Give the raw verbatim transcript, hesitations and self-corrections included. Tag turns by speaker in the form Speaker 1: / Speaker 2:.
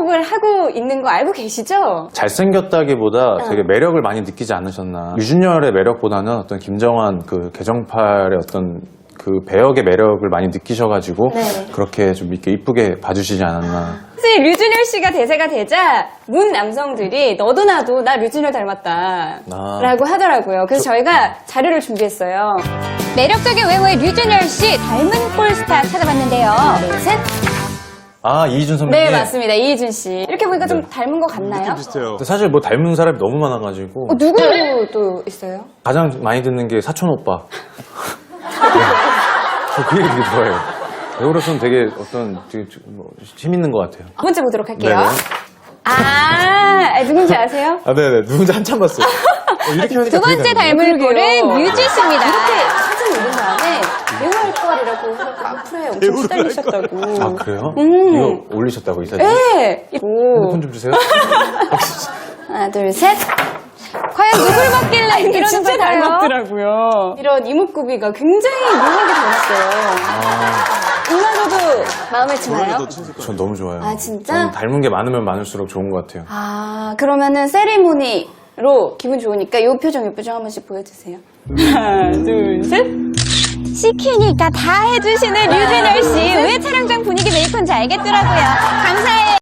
Speaker 1: 주목을 하고 있는 거 알고 계시죠?
Speaker 2: 잘생겼다기보다
Speaker 1: 어.
Speaker 2: 되게 매력을 많이 느끼지 않으셨나. 유준열의 매력보다는 어떤 김정환 그 개정팔의 어떤 그 배역의 매력을 많이 느끼셔가지고
Speaker 1: 네.
Speaker 2: 그렇게 좀 이렇게 이쁘게 봐주시지 않았나.
Speaker 1: 사실 류준열 씨가 대세가 되자 문 남성들이 너도 나도 나 류준열 닮았다
Speaker 2: 아.
Speaker 1: 라고 하더라고요. 그래서 저희가 자료를 준비했어요.
Speaker 3: 매력적인 외모의 류준열 씨 닮은 꼴스타 찾아봤는데요.
Speaker 1: 하나, 둘, 셋.
Speaker 2: 아, 이희준 선배님.
Speaker 1: 네, 맞습니다. 이희준 씨. 이렇게 보니까 좀
Speaker 2: 네.
Speaker 1: 닮은 것 같나요?
Speaker 4: 비슷해요.
Speaker 2: 근데 사실 뭐 닮은 사람이 너무 많아가지고
Speaker 1: 어, 누구 또 있어요?
Speaker 2: 가장 많이 듣는 게 사촌 오빠. 네. 저 그 얘기 되게 좋아해요. 배우로서는 되게 어떤 되게 뭐 힘 있는 것 같아요.
Speaker 1: 두 번째 보도록 할게요.
Speaker 2: 네네.
Speaker 1: 아, 아, 누군지 아세요?
Speaker 2: 아, 네네. 누군지 한참 봤어요. 어, 이렇게 하니까
Speaker 3: 두 번째
Speaker 2: 되게 닮아요.
Speaker 3: 닮은 꼴은
Speaker 1: 그러게요.
Speaker 3: 뮤지 씨입니다.
Speaker 1: 이렇게 사진 올린 다음에 배우할 거리라고 해갖고 악플에 엄청 시달리셨다고.
Speaker 2: 아, 그래요?
Speaker 1: 음.
Speaker 2: 이거 올리셨다고, 이 사진?
Speaker 1: 네. 오.
Speaker 2: 핸드폰 좀 주세요.
Speaker 1: 하나, 둘, 셋.
Speaker 3: 과연 누굴 먹길래
Speaker 1: 이게
Speaker 3: 이러는
Speaker 1: 진짜
Speaker 3: 걸까요?
Speaker 1: 닮았더라고요. 이런 이목구비가 굉장히 묘하게 닮았어요.
Speaker 2: 아,
Speaker 1: 이마저도 마음에 드나요?
Speaker 2: 전 너무 좋아요.
Speaker 1: 아, 진짜?
Speaker 2: 전 닮은 게 많으면 많을수록 좋은 것 같아요.
Speaker 1: 아, 그러면은 세리모니로 기분 좋으니까 이 표정, 이 표정 한 번씩 보여주세요. 하나, 둘, 셋.
Speaker 3: 시키니까 다 해주시는 류준열 씨. 왜 촬영장 분위기 메이커인지 알겠더라고요. 감사해요.